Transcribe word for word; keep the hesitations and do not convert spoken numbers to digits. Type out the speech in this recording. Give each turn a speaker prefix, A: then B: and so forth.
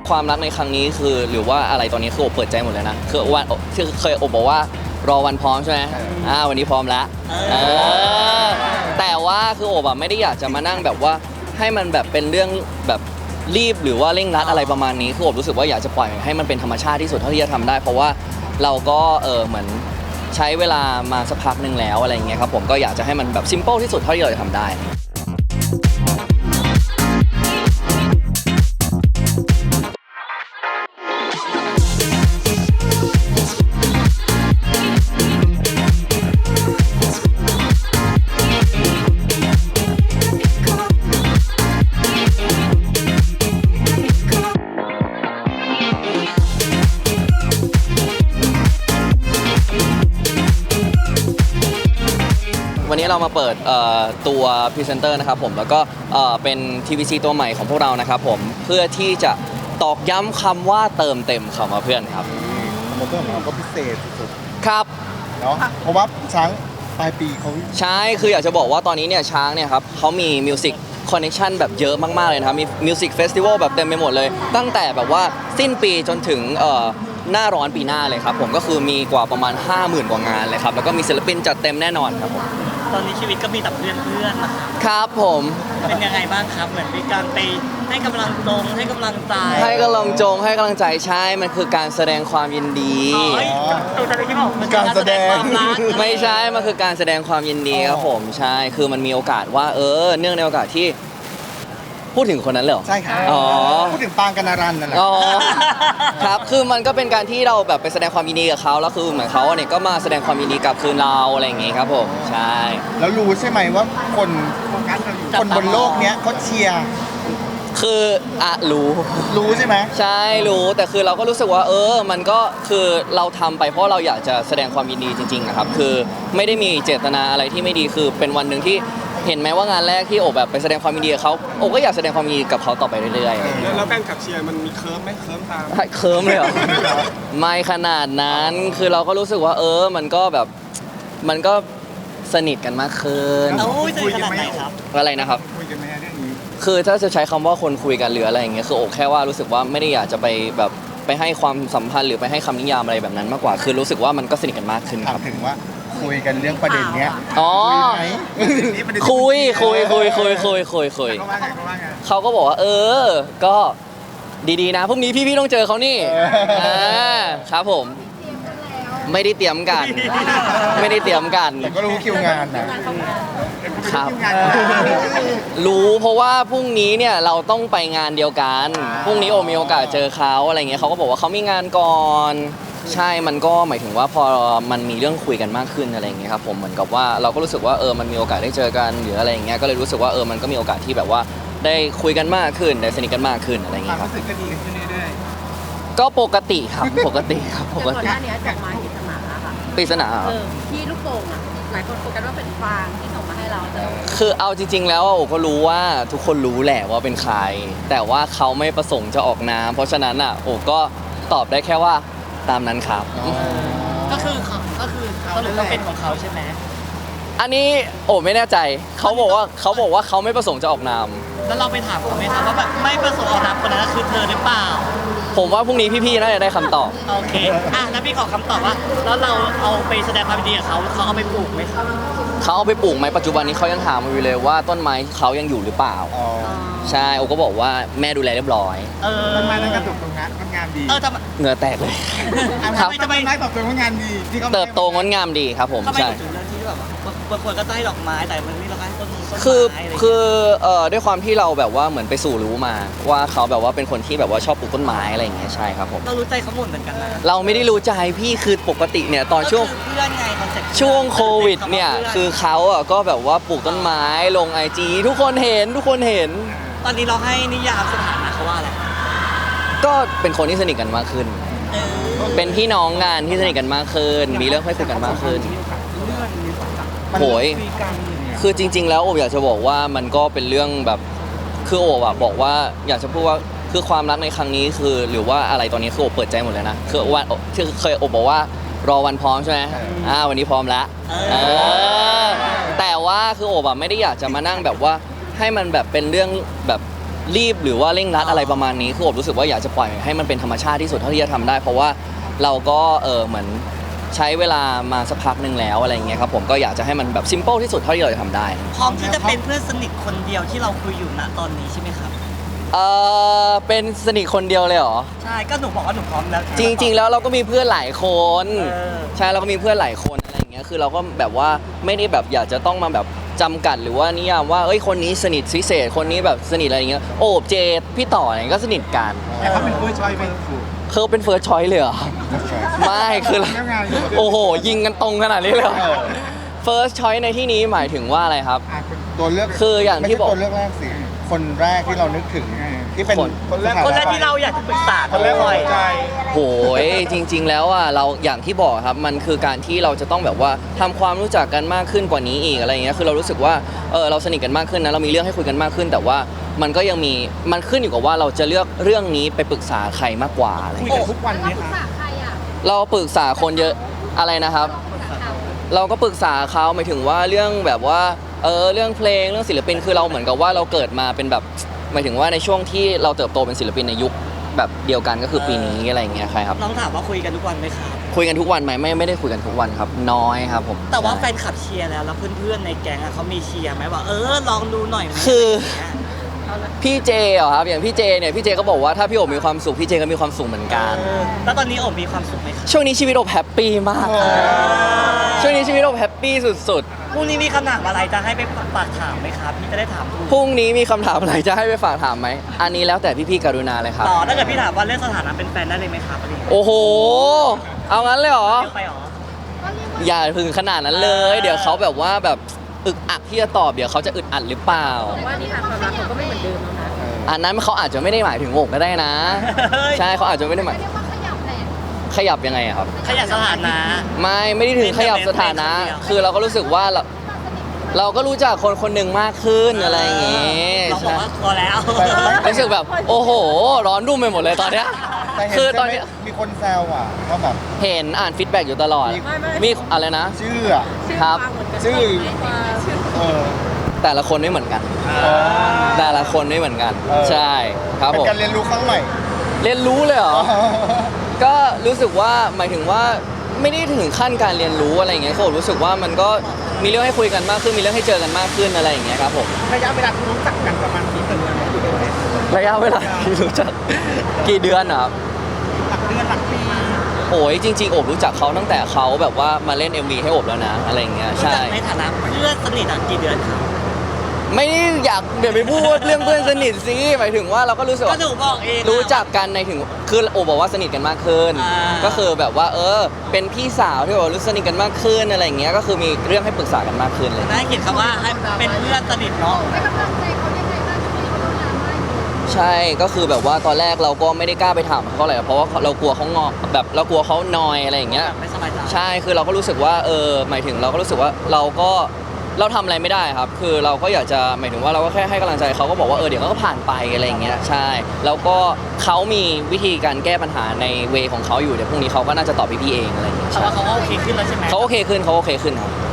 A: ความรักในครั้งนี้คือหรือว่าอะไรตอนนี้คือโอบเปิดใจหมดเลยนะคือวันที่เคยโอบบอกว่ารอวันพร้อมใช่ไหมอ่าวันนี้พร้อมแล้วเออแต่ว่าคือโอบอะไม่ได้อยากจะมานั่งแบบว่าให้มันแบบเป็นเรื่องแบบรีบหรือว่าเร่งรัดอะไรประมาณนี้คือโอบรู้สึกว่าอยากจะปล่อยให้มันเป็นธรรมชาติที่สุดเท่าที่จะทำได้เพราะว่าเราก็เออเหมือนใช้เวลามาสักพักหนึ่งแล้วอะไรอย่างเงี้ยครับผมก็อยากจะให้มันแบบซิมเปิลที่สุดเท่าที่เราจะทำได้วันนี้เรามาเปิดตัวพรีเซนเตอร์นะครับผมแล้วก็เป็น ที วี ซี ตัวใหม่ของพวกเรานะครับผมเพื่อที่จะตอกย้ำคำว่าเติมเต็มคำว่าเพื่อนครับ
B: โมเตอร์ของเราก็พิเศษสุด
A: ครับ
B: เนาะเพราะว่าช้างปลายปีเขา
A: ใช่คืออยากจะบอกว่าตอนนี้เนี่ยช้างเนี่ยครับเขามีมิวสิกคอนเนคชั่นแบบเยอะมากๆเลยนะครับมีมิวสิกเฟสติวัลแบบเต็มไปหมดเลยตั้งแต่แบบว่าสิ้นปีจนถึงหน้าร้อนปีหน้าเลยครับผมก็คือมีกว่าประมาณ ห้าหมื่น กว่างานเลยครับแล้วก็มีศิลปินจัดเต็มแน่นอนครับผม
C: ตอนนี้ชีวิตก็มีแต่เพื่อนเพื่อน
A: ครับผม
C: เป็นยังไงบ้างครับเหมือนมีการไปให้กำลังตรงให้กำลังใจ
A: ให้กำลังจงให้กำลังใจใช่มันคือการแสดงความยินดี
C: ตัวจะที่บอก
B: มันการแสดง
A: ไม่ใช่มันคือการแสดงความยินดีครับผมใช่คือมันมีโอกาสว่าเออเนื่องในโอกาสที่พูดถึงคนนั้นเลยเหรอ
B: ใช่ครับ
A: อ๋อ
B: พูดถึงปางกนารันนั่นแหละ
A: อ๋อครับคือมันก็เป็นการที่เราแบบไปแสดงความยินดีกับเขาแล้วคือเหมือนเขาเนี่ยก็มาแสดงความยินดีกับคืนเราอะไรอย่างงี้ครับผมใช่
B: แล้วรู้ใช่ไหมว่าคนคนบนโลกเนี้ยเขาเชียร์
A: คืออะรู้
B: รู้ใช่ไหม
A: ใช่รู้แต่คือเราก็รู้สึกว่าเออมันก็คือเราทำไปเพราะเราอยากจะแสดงความยินดีจริงๆนะครับคือไม่ได้มีเจตนาอะไรที่ไม่ดีคือเป็นวันหนึ่งที่เห็นไหมว่างานแรกที่โอบแบบไปแสดงความยินดีกับเขาโอบก็อยากแสดงความยินดีกับเขาต่อไปเรื่อย
D: ๆแล้วแฟนคลับเชียร์มันมีเคิร์ฟไหมเคิร์ฟตาม
A: เคิร์ฟเลยเหรอไม่ขนาดนั้นคือเราก็รู้สึกว่าเออมันก็แบบมันก็สนิทกันมากขึ้น
C: เอ้ยสนิทขนาดไหนครับ
A: อะไรนะครับ
B: คุยกันไหมเรื่องนี้
A: คือถ้าจะใช้คำว่าคนคุยกันหรืออะไรอย่างเงี้ยคือโอบแค่ว่ารู้สึกว่าไม่ได้อยากจะไปแบบไปให้ความสัมพันธ์หรือไปให้คำนิยามอะไรแบบนั้นมากกว่าคือรู้สึกว่ามันก็สนิทกันมากขึ้นครับ
B: ถึงว่าคุยกันเรื่องประเด็นเนี้ย
A: อ๋อคุยคุยคุยคุยคุยคุยคุยเขาก็บอกว่าเออก็ดีๆนะพรุ่งนี้พี่ๆต้องเจอเขานี่อ่าครับผมไม่ได้เตรียมกันไม่ได้เตรียมกัน
B: แต่ก็รู้คิวงานนะครับ
A: รู้เพราะว่าพรุ่งนี้เนี่ยเราต้องไปงานเดียวกันพรุ่งนี้โอมีโอกาสเจอเขาอะไรเงี้ยเขาก็บอกว่าเขามีงานก่อนใช่มันก็หมายถึงว่าพอมันมีเรื่องคุยกันมากขึ้นอะไรอย่างเงี้ยครับผมเหมือนกับว่าเราก็รู้สึกว่าเออมันมีโอกาสได้เจอกันหรืออะไรอย่างเงี้ยก็เลยรู้สึกว่าเออมันก็มีโอกาสที่แบบว่าได้คุยกันมากขึ้นได้สนิทกันมากขึ้นอะไรอย่างเงี้ยครับ
B: รู้สึกก็ดีขึ้นเรื่อย
A: ๆก็ปกติครับปกติครับปกติ
E: ก่อนหน้านี้ดอกไม้ปริศนาค่ะ
A: ปริศนา
E: เออที่ลูกโป่งอ่ะหลายคนโฟกัสว่าเป็นฟางที่ส่งมาให้เราแต่
A: คือเอาจริงๆแล้วโอ้ก็รู้ว่าทุกคนรู้แหละว่าเป็นใครแต่ว่าเขาไม่ประสงค์จะออกนามเพราะฉะนั้นอ่ะโอ้ก็ตอบได้แค่ว่าตามนั้นครับ
C: ก็คือก็คือสรุปว่าเป็นของเขาใช่ไหม
A: อันนี้โอ้ไม่แน่ใจเขาบอกว่าเขาบอกว่าเขาไม่ประสงค์จะออกนาม
C: แล้วเราไปถามเขาไหมครับว่าแบบไม่ประสงค์ออกนามคนนั้นคือเธอหรือเปล่า
A: ผมว่าพรุ่งนี้พี่ๆน่าจะได้คำตอบ
C: โอเคอ่ะแล้วพี่ขอคำตอบว่าแล้วเราเอาไปแสดงความดีกับเขาเขาเอาไปปลูกไหมครับ
A: เขาเอาไปปลูกไหมปัจจุบันนี้เขายังถามมาอยู่เลยว่าต้นไม้เขายังอยู่หรือเปล่าใช่โอก็บอกว่าแม่ดูแลเรียบร้อย
C: เออ
B: ต้นไม้นั้นก็เติบโตงานงามดี
C: เออทำไม
A: เหงื่อแตกเลย
B: ครับทำไมไม้เติบโตงานดีที่เขา
A: เติบโตงดงามดีครับผม
C: ใช่ถึงเรื่องที่แบบบางคนก็ให้ดอกไม้แต่มันไม่เราให้ต้นต้นไม้
A: คือคือเอ่อด้วยความที่เราแบบว่าเหมือนไปสู่รู้มาว่าเขาแบบว่าเป็นคนที่แบบว่าชอบปลูกต้นไม้อะไรอย่างเงี้ยใช่ครับผม
C: เรารู้ใจเขาหมดเหมือนกันนะ
A: เราไม่ได้รู้ใจพี่คือปกติเนี่ยตอนช่วง
C: เพื่อนไงคอนเซ็ปต์
A: ช่วงโควิดเนี่ยคือเขาอ่ะก็แบบว่าปลูกต้นไม้ลงไอจีทุกคนเห็นทุกคนเห็น
C: ตอนนี้เราให้นิยามสถานะเขาว่าอะไร
A: ก็เป็นคนที่สนิทกันมากขึ้นเป็นพี่น้องงานที่สนิทกันมากขึ้นมีเรื่องให้คุยกันมากขึ้นโหยคือจริงๆแล้วโอบอยากจะบอกว่ามันก็เป็นเรื่องแบบคือโอบอะบอกว่าอยากจะพูดว่าคือความรักในครั้งนี้คือหรือว่าอะไรตอนนี้คือโอบเปิดใจหมดเลยนะคือวันที่เคยโอบบอกว่ารอวันพร้อมใช่ไหมอ่าวันนี้พร้อมแล้วแต่ว่าคือโอบอะไม่ได้อยากจะมานั่งแบบว่าให้มันแบบเป็นเรื่องแบบรีบหรือว่าเร่งรัดอะไรประมาณนี้คือโอบรู้สึกว่าอยากจะปล่อยให้มันเป็นธรรมชาติที่สุดเท่าที่จะทำได้ เพราะว่าเราก็เออเหมือนใช้เวลามาสักพักหนึ่งแล้วอะไรอย่างเงี้ยครับผมก็อยากจะให้มันแบบซิมเปิลที่สุดเท่าที่เราจะทำได้
C: พร้อมที่จะเป็นเพื่อนสนิทคนเดียวที่เราคุยอยู่ณตอนนี้ใช่ไหมครับ
A: เออเป็นสนิทคนเดียวเลยเหรอ
C: ใช่ก็หนูบอกว่าหนูพร้อมแล้ว
A: จริง ๆ แล้วเราก็มีเพื่อนหลายคน
C: เออ
A: ใช่เราก็มีเพื่อนหลายคนอะไรอย่างเงี้ยคือเราก็แบบว่าไม่ได้แบบอยากจะต้องมาแบบจำกัดหรือว่านิยามว่าเอ้ยคนนี้สนิทพิเศษคนนี้แบบสนิทอะไรอย่างเงี้ยโอบเจดพี่ต่ออะไรก็สนิทกัน
D: แต่เขาเป็นผู้ช่วยเป็นครู
A: เขาเป็นเฟิร์สชอยเลยเหรอ ไม่คือเราโอ้โห ยิงกันตรงขนาดนี้เลยเหรอ First Choice ในที่นี้หมายถึงว่าอะไรครับ
B: อ่ะตัวเลือก
A: คืออย่างที่บอก
B: ไม่ใช่ตัวเลือกแรกสิคนแรกที่เรานึกถึงที่เป็น
A: คน
D: คนแรก
C: คนแรกที่เราอยากจะปรึกษา
D: คนแรกของหัวใจ
A: โหยจริง ๆ แล้วอ่ะเราอย่างที่บอกครับมันคือการที่เราจะต้องแบบว่าทำความรู้จักกันมากขึ้นกว่านี้อีกอะไรอย่างเงี้ยคือเรารู้สึกว่าเออเราสนิทกันมากขึ้นนะเรามีเรื่องให้คุยกันมากขึ้น แต่ว่ามันก็ยังมีมันขึ้นอยู่กับว่าเราจะเลือกเรื่องนี้ไปปรึกษาใครมากกว่าอะไร
C: คุย
A: เงี้ย
C: กันทุกวันไหม
E: ปรึก
C: คะ
E: ษาใครอ่ะ
A: เราปรึกษาคนเยอะอะไรนะครับ
E: ปรึกษาเขา
A: เราก็ปรึกษาเขาหมายถึงว่าเรื่องแบบว่าเออเรื่องเพลงเรื่องศิลปินคือเราเหมือนกับว่าเราเกิดมาเป็นแบบหมายถึงว่าในช่วงที่เราเติบโตเป็นศิลปินในยุคแบบเดียวกันก็คือปีนี้อะไรอย่างเงี้ยใครครับ
C: น้องถามว่าคุยกันทุกวันไหมครับ
A: คุยกันทุกวันไหมไม่ไม่ได้คุยกันทุกวันครับ น้อยครับผม
C: แต่ว่าแฟ
A: ใช่
C: นคลับเชียร์แล้วแล้วเพื่อนๆในแก๊งอะเขามีเชียร์ไหมว่าเออลองดูหน่อยไหม
A: คือ
C: อะไรอย่างเงี้ย
A: พี่เจเหรอครับอย่างพี่เจเนี่ยพี่เจก็บอกว่าถ้าพี่โอบมีความสุขพี่เจก็มีความสุขเหมือนกัน
C: เออแล้วตอนนี้โอบมีความสุขไหมครับ
A: ช่วงนี้ชีวิตโอบแฮปปี้มากครับช่วงนี้ชีวิตโอบแฮปปี้สุด
C: พรุ่งนี้มีคำถามอะไรจะให้ไปฝากถามไหมครับพี่จะได้ถามถูก
A: ๆพรุ่งนี้มีคำถามอะไรจะให้ไปฝากถามไหมอันนี้แล้วแต่พี่ๆกรุณาเลยครับ
C: ต่อถ้าเกิดพี่ถามว่าเรื่องสถานะเป็นแฟนได้เลยไหมครับอะไรอย่างเงี้ย
A: โอ้โห เอางั้นเลยเหรอ
C: เยอะไปเหรอ
A: อย่าถึงขนาดนั้นเลย เดี๋ยวเขาแบบว่าแบบอึกอักที่จะตอบเดี๋ยวเขาจะอึดอัดหรือเปล่า
E: ว่านิทานความรักเขาก็ไม่เหมือนเดิมแล้วนะ
A: อันนั้นเขาอาจจะไม่ได้หมายถึงโอบก็ได้นะ ใช่เขาอาจจะไม่ได้หมาย
E: เรียกว่าขยับแหละ
A: ขยับยังไงอะครับ
C: ขยับสถานะ
A: ไม่ไม่ได้ถึงขยับสถานะ คือเราก็รู้สึกว่าเราเราก็รู้จักคนคนหนึ่งมากขึ้นอะไรอย่างเงี้ย
C: เราบอ
A: ใช่
C: กว่าพอแล้ว
A: รู้สึกแบบโอ้โห ร้อนรุ่มไปหมดเลยตอนเนี้ย
B: แต่เห็น
A: คือต
B: ใช่
A: อน
B: ไหม
A: เนี้ย
B: มีคนแซวอ่ะว่าแบบ
A: เห็นอ่านฟีดแบ็กอยู่ตลอด
B: มี
A: มีอะไรนะ
B: ชื่ออ่ะ
A: ครับ
B: ชื่อ เออ
A: แต่ละคนไม่เหมือนกัน แต่ละคนไม่เหมือนกัน
B: เออ
A: ใช่ครับ
B: เป็น
A: ผม
B: การเรียนรู้ครั้งใหม่
A: เรียนรู้เลยเหรอ ก็รู้สึกว่าหมายถึงว่าไม่ได้ถึงขั้นการเรียนรู้อะไรอย่างเงี้ยเขารู้สึกว่ามันก็มีเรื่องให้คุยกันมากขึ้นมีเรื่องให้เจอกันมากขึ้นอะไรอย่างเงี้ยครับผม
B: ระยะเวลาที่รู้จักกันประมาณกี่เดือน
A: ระยะเวลาที่รู้จักกี่เดือนอะครับ
B: หลักเดือนหลักปี
A: โอ้ยจริงๆโอบรู้จักเขาตั้งแต่เขาแบบว่ามาเล่น เอ็ม วี ให้โอบแล้วนะอะไรอย่างเงี้ย
C: รู้
A: ใช่
C: จักในฐานะเพื่อนสนิทอะกี่เดือนครับ
A: ไม่ได้อยากเดี๋ยวไปพูดเรื่องเพื่อนสนิทสิหมายถึงว่าเราก็รู้สึก
C: ก็
A: ว่า
C: หนูบอกเองอะ
A: รู้จักกันในถึงคือโอบบอกว่าสนิทกันมากขึ้น
C: อ่า
A: ก็คือแบบว่าเออเป็นพี่สาวที่แบบว่ารู้สนิทกันมากขึ้นอะไรอย่างเงี้ยก็คือมีเรื่องให้ปรึกษากันมากขึ้นเลย
C: ได้เขียนคำว่าให้เป็นเพื่อนสนิทเนาะ
E: ให้กำลังใจเขายังไงบ้างช่วยเขาทำงานไหม
A: ใช่ก็คือแบบว่าตอนแรกเราก็ไม่ได้กล้าไปถามเขาเลยเพราะว่าเรากลัวเขางอแบบเรากลัวเขานอยอะไรอย่างเงี้ย
C: ไม่สบายใจ
A: ใช่คือเราก็รู้สึกว่าเออหมายถึงเราก็รู้สึกว่าเราก็เราทำอะไรไม่ได้ครับ คือเราก็อยากจะหมายถึงว่าเราก็แค่ให้กำลังใจเขาก็บอกว่าเออเดี๋ยวเขาก็ผ่านไปอะไรอย่างเงี้ยใช่แล้วก็เขามีวิธีการแก้ปัญหาในเวของเขาอยู่เดี๋ยวพรุ่งนี้เขาก็น่าจะตอบพี่ๆเองอะไรอย่างเงี้ย
C: แต่
A: ใช่
C: ว่าเขาก็โอเคขึ้นแล้วใช่ไหม
A: เขาโอเคขึ้นเขาโอเคขึ้นครับ